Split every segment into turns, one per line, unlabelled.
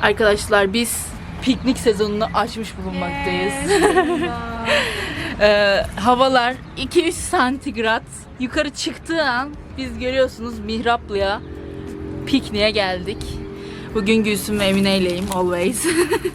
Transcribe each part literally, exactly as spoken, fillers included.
Arkadaşlar biz piknik sezonunu açmış bulunmaktayız. ee, havalar iki üç santigrat. Yukarı çıktığı an biz görüyorsunuz Mihraplı'ya pikniğe geldik. Bugün Gülsüm ve Emine ileyim always.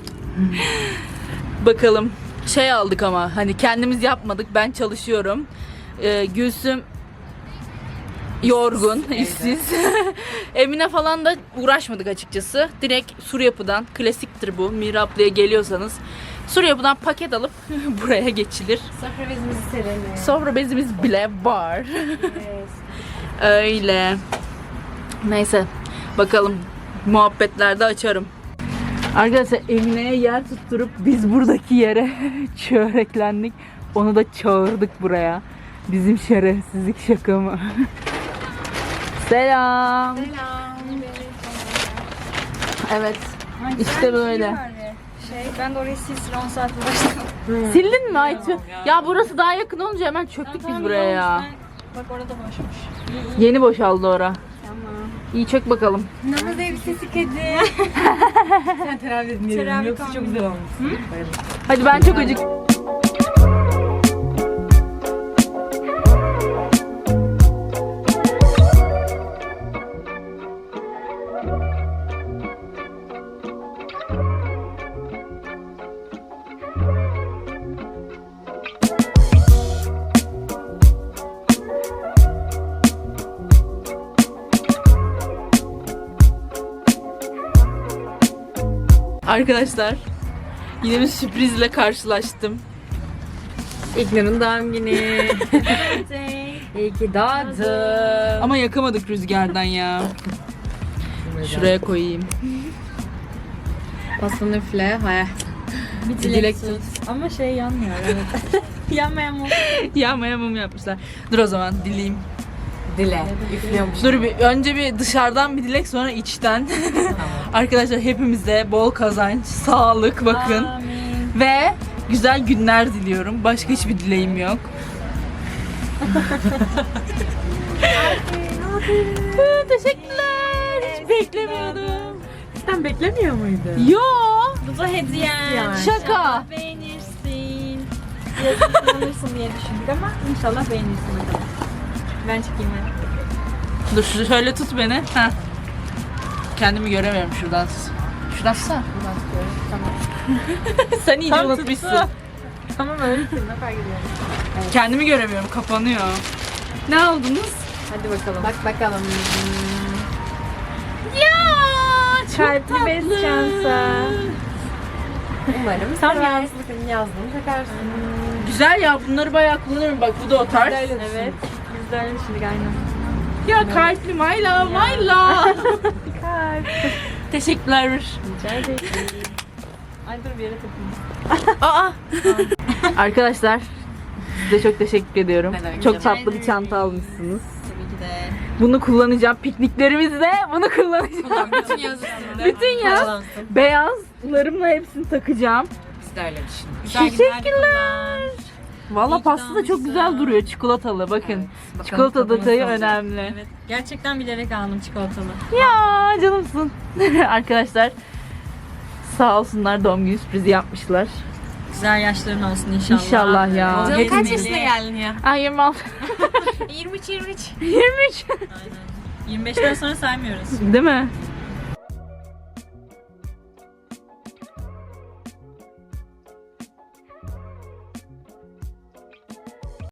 Bakalım şey aldık ama hani kendimiz yapmadık. Ben çalışıyorum. Ee, Gülsüm yorgun, işsiz. Emine falan da uğraşmadık açıkçası. Direkt Sur Yapı'dan, klasiktir bu. Mihraplı'ya geliyorsanız Sur Yapı'dan paket alıp buraya geçilir.
Sofra bezimizi serelim.
Sofra bezimiz bile var.
Evet.
Öyle. Neyse bakalım muhabbetlerde açarım. Arkadaşlar Emine'ye yer tutturup biz buradaki yere çöreklendik. Onu da çağırdık buraya. Bizim şerefsizlik şaka mı? Selam.
Selam.
Evet. İşte böyle.
Şey, ben de orayı sil sil on saat uğraştım.
Sildin mi Aytu? Ya burası daha yakın olunca hemen çöktük biz buraya ya.
Bak orada boşmuş.
Yeni boşaldı ora.
Tamam.
İyi çök bakalım.
Namaz elbisesi kedi.
Sen teravih etmeyelim.
Teravih
Yoksa çok güzel olmuş. Bayıldım.
Hadi ben çok acık. Arkadaşlar yine bir sürprizle karşılaştım.
İlknur'un doğum günü. İyi ki doğdun.
Ama yakamadık rüzgardan ya. Şuraya koyayım.
Baston üfle. Hayal.
Bir
dilek
dilek
tut.
tut. Ama şey yanmıyor evet. Yanmayan mı?
Yağmaya mum yapmışlar. Dur o zaman dileyim.
Dile. Üflüyormuş.
Dur bir önce bir dışarıdan bir dilek sonra içten. Arkadaşlar hepimize bol kazanç, sağlık bakın.
Amin.
Ve güzel günler diliyorum. Başka hiçbir dileğim yok. Teşekkürler. Hiç beklemiyordum.
Sen beklemiyor muydun?
Yo.
Bu da hediyen.
Yani.
Şaka.
İnşallah beğenirsin. Yazık kullanırsın diye düşündük ama inşallah beğenirsin bakalım. Ben çıkayım hadi.
Dur şu- şöyle tut beni. Heh. Kendimi göremiyorum şuradan. Şuradan tutsana.
Tamam.
Sen iyice
Tam
unutmuşsun.
tuttu. Tamam öylesin. Ne fark ediyor?
Kendimi göremiyorum. Kapanıyor. Ne aldınız?
Hadi bakalım. Bak bakalım.
Ya çok
Kalpli
tatlı.
bez çanta.
Umarım
Tam
seversin. Yazdığını takarsın.
Güzel ya. Bunları bayağı kullanıyorum. Bak bu da o tarz.
Evet. Biz de öyle düşündük aynen.
Ya kalpli my love my love.
Kalp.
Teşekkürler.
Rica ederim. Ay dur bir yere takayım.
Aa. Arkadaşlar size çok teşekkür ediyorum.
Ne demek,
Çok
rica
tatlı bir çanta almışsınız.
Tabii ki de.
Bunu kullanacağım. Pikniklerimizde bunu kullanacağım.
Bütün yaz üstünde.
Bütün yaz
Paralansın.
beyazlarımla hepsini takacağım.
Biz de öyle düşündük.
Teşekkürler. Valla
İyi ki
pasta da çok
almışsın.
güzel duruyor. Çikolatalı bakın.
Evet, bakalım
Çikolata
tadımız
detayı
olacak.
önemli.
Evet. Gerçekten bilerek aldım çikolatalı.
Ya canımsın. Arkadaşlar sağ olsunlar doğum günü sürprizi yapmışlar.
Güzel yaşların olsun inşallah.
İnşallah ya.
Canım
Canım kaç
Hepimiz-
yaşına geldin ya?
Ay yirmi altı.
yirmi üç yirmi üç.
yirmi üç.
Aynen. yirmi beşten sonra saymıyoruz.
Değil mi?